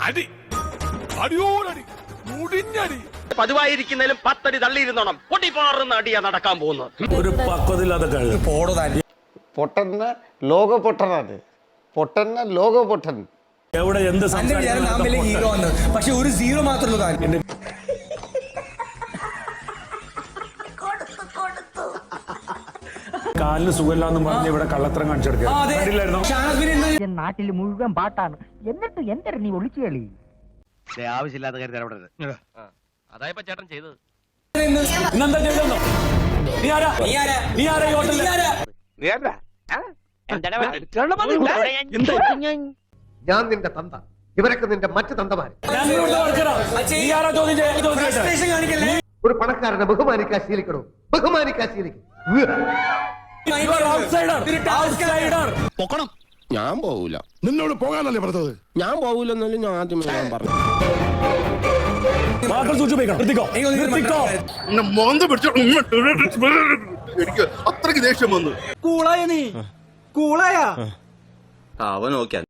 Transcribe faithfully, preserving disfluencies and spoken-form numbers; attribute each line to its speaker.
Speaker 1: അടി അടിയോടടി മുടിഞ്ഞടി.
Speaker 2: പതിവായിരിക്കുന്നതിലും പത്തടി തള്ളിയിരുന്നോണം പൊട്ടിപ്പാറുന്ന അടിയാ നടക്കാൻ പോകുന്നത്.
Speaker 1: ഒരു പക്വതയില്ലാതെ കഴിയും.
Speaker 3: പൊട്ടന്ന ലോക പൊട്ടനാണ്. പൊട്ടന്ന ലോക പൊട്ടൻ.
Speaker 1: എവിടെ എന്ത്
Speaker 4: ഹീറോ ആണ്, പക്ഷെ ഒരു സീറോ മാത്രമേ.
Speaker 1: കാലിന് സുഖമില്ലാന്ന് പറഞ്ഞ് ഇവിടെ കള്ളത്തരം കാണിച്ചെടുക്കായിരുന്നു.
Speaker 5: നാട്ടിൽ മുഴുവൻ പാട്ടാണ്, എന്നിട്ട് എന്തൊരു നീ ഒളിച്ചു കളി.
Speaker 2: ആവശ്യമില്ലാത്ത കാര്യം ഇടപെടരുത്. അതായപ്പോ ചേട്ടൻ ചെയ്തത്.
Speaker 1: ഇന്നെന്താ ചെയ്തെന്നോ? നീ ആരാ? നീ ആരാ ഈ ഹോട്ടലിൽ?
Speaker 6: ഞാൻ നിന്റെ തന്ത, ഇവരൊക്കെ നിന്റെ മറ്റു തന്തമാര്. ഒരു പണക്കാരനെ ബഹുമാനിക്കാൻ ശീലിക്കണോ? ബഹുമാനിക്കാൻ ശീലിക്കും.
Speaker 7: ഞാൻ പോവൂല. നിന്നോട് പോകാനല്ലേ പറഞ്ഞത്? ഞാൻ പോവൂലെന്നല്ലേ ഞാൻ ആദ്യമേ ഞാൻ പറഞ്ഞു.
Speaker 8: എനിക്ക് അത്രയ്ക്ക് ദേഷ്യം വന്നു.
Speaker 4: കൂളായ നീ കൂളായ
Speaker 8: അവൻ നോക്കിയാ